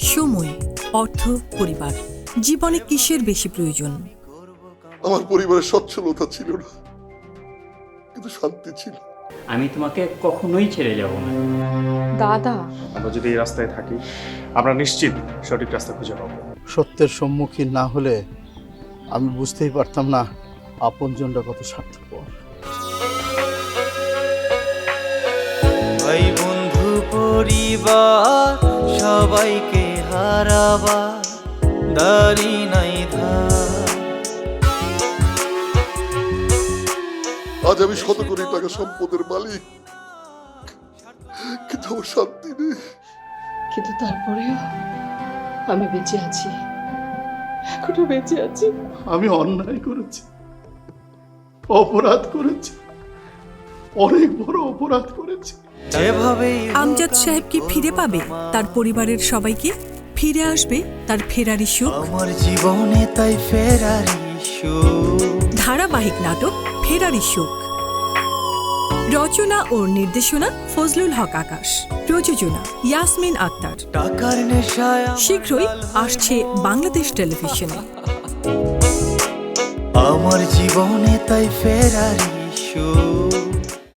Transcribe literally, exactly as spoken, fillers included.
সময়, অর্থ, পরিবার, জীবনে কিসের বেশি প্রয়োজন? আমার পরিবারের সচ্ছলতা ছিল না, কিন্তু শান্তি ছিল। আমি তোমাকে কখনোই ছেড়ে যাব না। দাদা, আমরা যদি এই রাস্তায় থাকি আমরা নিশ্চিত সঠিক রাস্তা খুঁজে পাবো। সত্যের সম্মুখীন না হলে আমি বুঝতেই পারতাম না আপনজনরা কত স্বার্থপর। ভাই বন্ধু পরিবার সবাইকে হারাবার দাড়ি নাই ধার। আজ আমি শত কোটি টাকা সম্পদের মালিক, কিন্তু আমার শান্তি নেই। কিন্তু তারপরেও আমি বেঁচে আছি, এখনো বেঁচে আছি। আমি অন্যায় করেছি, অপরাধ করেছি, অনেক বড় অপরাধ করেছি। যেভাবেই আমজাদ সাহেব কি ফিরে পাবে তার পরিবারের সবাইকে? ফিরে আসবে তার ফেরারি সুখ? আমার জীবনে তাই ফেরারি সুখ। ধারাবাহিক নাটক ফেরারি সুখ, রচনা ও নির্দেশনা ফজলুল হক আকাশ, প্রযোজনা ইয়াসমিন আক্তার। টাকার নেশায় আমার শীঘ্রই লাল আসছে বাংলাদেশ টেলিভিশনে। আমার জীবনে তাই ফেরারি সুখ।